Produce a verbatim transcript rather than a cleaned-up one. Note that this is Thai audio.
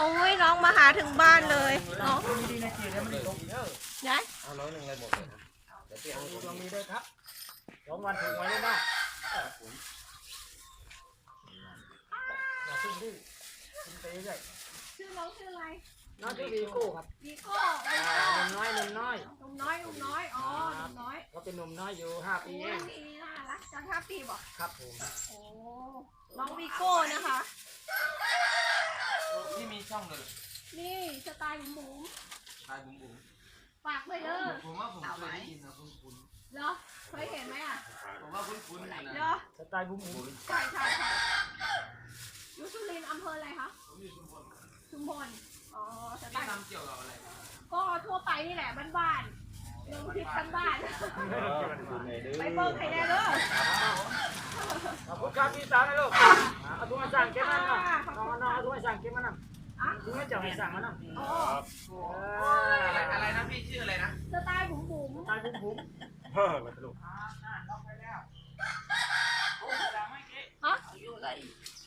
โอ้ยน้องมาหาถึงบ้านเลยน้องดีๆนะเจี๋ยวมันตกเด้อยายเอาร้อยหนึ่งเลยหมดเลยเดี๋ยวพี่เอาดวงมีด้วยครับสองวันถูกไว้ได้บ้างอย่าพึ่งดื้อคุณเตะใหญ่ชื่อน้องชื่ออะไรน้องชื่อวีโก้ครับวีโก้หนุ่มน้อยหนุ่มน้อยหนุ่มน้อยหนุ่มน้อยอ๋อหนุ่มน้อยเขาเป็นหนุ่มน้อยอยู่ห้าปีโอ้เอย งนี่น่ารักจังห้าปีบอกครับผมโอ้น้องวีโก้นะคะนี่มีช่องเลยนี่สไตล์หมูตายบุ๋มบุ๋มฝากด้วยเด้อผมว่าผมเคยได้ยินนะคุ้นคุ้นเหรอเคยเห็นไหมอ่ะผมว่าคุ้นคุ้นนะเหรอสไตล์บุ้มบุ้มใช่ใช่ใช่อยู่สุรินทร์อำเภออะไรคะผมอยู่ชุมพรชุมพรอ๋อสไตพี่ล์ทำเกี่ยวกับอะไรก็ทั่วไปนี่แหละบ้านๆลงคลิปบ้านๆไปเบิ่งให้แน่เด้อขอบคุณครับพี่สาวนะลูกเอาถุงมาสั่งเก็บมันนะน้องน้องเอาถุงมาสั่งเก็บมันนะอ่ะถุงมาจับให้สั่งมันนะอ๋ออะไรอะไรนะพี่ชื่ออะไรนะสไตล์บุ๋มบุ๋มสไตล์บุ้มบุ้มเฮ้อมาสรุปฮะ